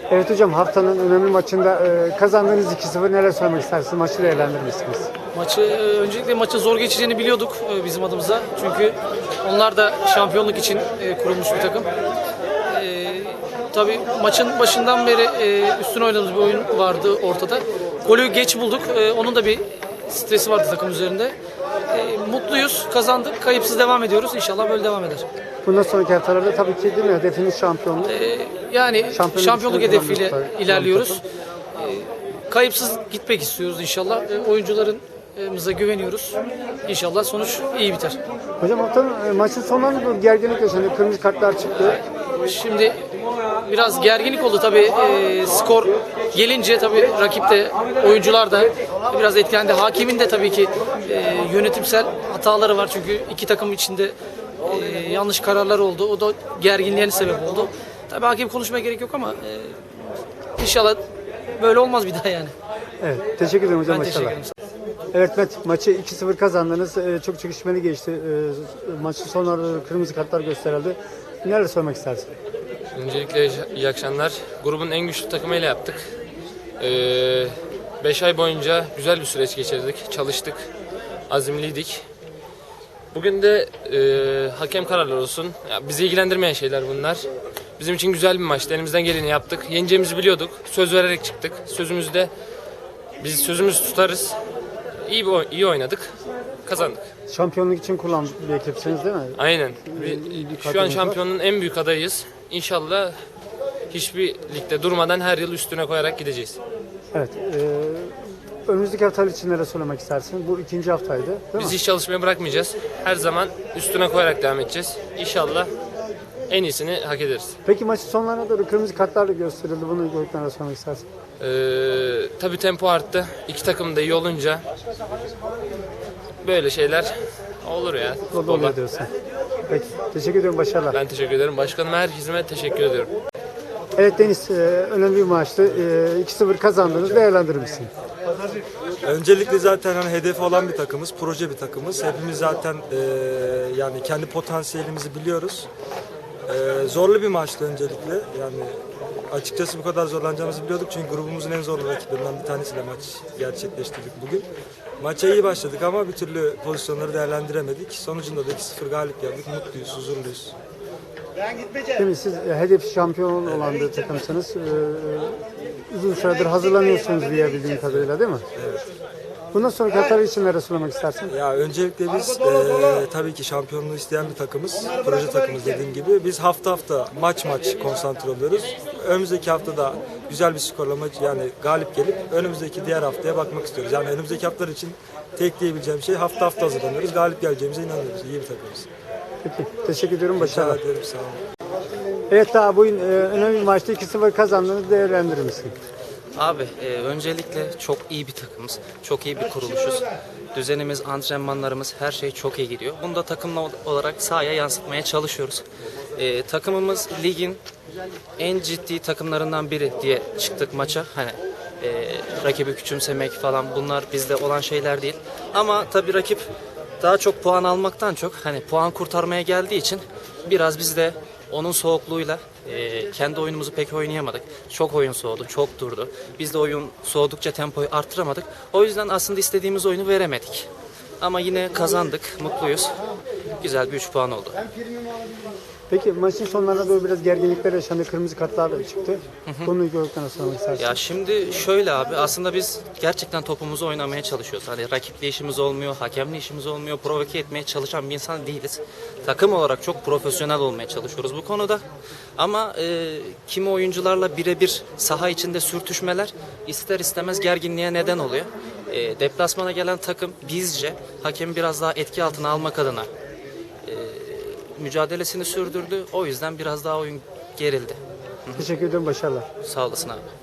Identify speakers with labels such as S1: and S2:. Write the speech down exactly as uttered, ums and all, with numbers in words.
S1: Evet hocam, haftanın önemli maçında e, kazandığınız iki sıfır, neler söylemek istersiniz? Maçı değerlendirmişsiniz.
S2: Maçı e, öncelikle maçın zor geçeceğini biliyorduk e, bizim adımıza. Çünkü onlar da şampiyonluk için e, kurulmuş bir takım. E, tabii maçın başından beri e, üstüne oynadığımız bir oyun vardı ortada. Golü geç bulduk. E, onun da bir stresi vardı takım üzerinde. E, mutluyuz, kazandık, kayıpsız devam ediyoruz. İnşallah böyle devam eder.
S1: Bundan sonraki haftalarda tabii ki değil mi? Hedefiniz şampiyonluk.
S2: E, yani
S1: Şampiyonluk
S2: şampiyonluk
S1: için
S2: hedefiyle
S1: kullanmış-
S2: ilerliyoruz. E, kayıpsız gitmek istiyoruz inşallah. E, oyuncularımıza güveniyoruz. İnşallah sonuç iyi biter.
S1: Hocam, haftanın e, maçın sonlarına doğru gerginlik yaşandı. Kırmızı kartlar çıktı.
S2: Şimdi biraz gerginlik oldu tabii. E, skor gelince tabii rakip de, oyuncular da biraz etkilendi. Hakemin de tabii ki e, yönetimsel hataları var. Çünkü iki takım içinde e, yanlış kararlar oldu. O da gerginliğe sebep oldu. Tabii hakem konuşmaya gerek yok ama e, inşallah böyle olmaz bir daha yani.
S1: Evet, teşekkür ederim hocam.
S2: Ben teşekkür
S1: Başarılar.
S2: ederim.
S1: Evet Met, maçı iki sıfır kazandınız. E, çok çekişmeli geçti. E, maçın sonlarında kırmızı kartlar gösterildi. Neler söylemek istersin?
S3: Öncelikle iyi akşamlar. Grubun en güçlü takımıyla yaptık. beş ay boyunca güzel bir süreç geçirdik, çalıştık, azimliydik. Bugün de e, hakem kararları olsun. Ya, bizi ilgilendirmeyen şeyler bunlar. Bizim için güzel bir maçtı. Elimizden geleni yaptık. Yeneceğimizi biliyorduk. Söz vererek çıktık. Sözümüzde biz sözümüzü tutarız. İyi bir oy- iyi oynadık. Kazandık.
S1: Şampiyonluk için kullanmış bir ekipsiniz değil mi?
S3: Aynen.
S1: İyi bir
S3: Şu an
S1: kadronuz var.
S3: şampiyonun en büyük adayıyız. İnşallah hiçbir ligde durmadan her yıl üstüne koyarak gideceğiz.
S1: Evet. E, önümüzdeki haftalar için neler söylemek istersin? Bu ikinci haftaydı değil
S3: Biz
S1: mi?
S3: hiç çalışmaya bırakmayacağız. Her zaman üstüne koyarak devam edeceğiz. İnşallah en iyisini hak ederiz.
S1: Peki maçın sonlarına doğru kırmızı kartlar da gösterildi. Bunu gördükten sonra söylemek istersin.
S3: Ee, tabii tempo arttı. İki takım da iyi olunca böyle şeyler olur ya.
S1: O da
S3: futbolda.
S1: oluyor diyorsun. Peki. Teşekkür ederim. Başarılar.
S3: Ben teşekkür ederim. Başkanım, herkese teşekkür ederim.
S1: Evet Deniz, e, önemli bir maçtı. E, iki sıfır kazandınız. Değerlendirir misin?
S4: Öncelikle zaten hani hedefi olan bir takımız, proje bir takımız. Hepimiz zaten e, yani kendi potansiyelimizi biliyoruz. E, zorlu bir maçtı öncelikle. Yani açıkçası bu kadar zorlanacağımızı biliyorduk çünkü grubumuzun en zorlu rakiplerinden bir tanesiyle maç gerçekleştirdik bugün. Maça iyi başladık ama bir türlü pozisyonları değerlendiremedik. Sonucunda da iki sıfır galip geldik. Mutluyuz, huzurluyuz.
S1: Değil mi? Siz e, hedef şampiyon olan bir takımsınız. E, uzun süredir hazırlanıyorsunuz diye bildiğim kadarıyla, değil mi?
S4: Evet.
S1: Bundan sonraki haftalar için neler söylemek istersin?
S4: Ya öncelikle biz e, tabii ki şampiyonluğu isteyen bir takımız, proje takımız dediğim gibi. Biz hafta hafta maç maç konsantre oluyoruz. Önümüzdeki haftada güzel bir skorla maç, yani galip gelip önümüzdeki diğer haftaya bakmak istiyoruz. Yani önümüzdeki haftalar için tek diyebileceğim şey hafta hafta hazırlanıyoruz. Galip geleceğimize inanıyoruz. İyi bir takımız.
S1: Peki. Teşekkür ediyorum.
S4: Rica
S1: Başarılar.
S4: ederim, sağ olun.
S1: Evet, daha bugün e, önemli bir maçta iki sıfır kazandınız. Değerlendirir misin?
S5: Abi e, öncelikle çok iyi bir takımız, çok iyi bir kuruluşuz. Düzenimiz, antrenmanlarımız, her şey çok iyi gidiyor. Bunu da takımla olarak sahaya yansıtmaya çalışıyoruz. E, takımımız ligin en ciddi takımlarından biri diye çıktık maça. Hani e, rakibi küçümsemek falan, bunlar bizde olan şeyler değil. Ama tabii rakip daha çok puan almaktan çok hani puan kurtarmaya geldiği için biraz biz de onun soğukluğuyla e, kendi oyunumuzu pek oynayamadık. Çok oyun soğudu, çok durdu. Biz de oyun soğudukça tempoyu arttıramadık. O yüzden aslında istediğimiz oyunu veremedik. Ama yine kazandık, mutluyuz. Güzel bir üç puan oldu.
S1: Peki maçın sonlarına doğru biraz gerginlikler yaşandı. Kırmızı kartlar da çıktı. Bunu gördükten sonra söylemek istersin.
S5: Ya şimdi şöyle abi, aslında biz gerçekten topumuzu oynamaya çalışıyoruz. Hani rakiple işimiz olmuyor, hakemle işimiz olmuyor, provoke etmeye çalışan bir insan değiliz. Takım olarak çok profesyonel olmaya çalışıyoruz bu konuda. Ama e, kimi oyuncularla birebir saha içinde sürtüşmeler ister istemez gerginliğe neden oluyor. E, deplasmana gelen takım bizce hakemi biraz daha etki altına almak adına mücadelesini sürdürdü. O yüzden biraz daha oyun gerildi.
S1: Teşekkür ederim. Başarılar.
S5: Sağ olasın abi.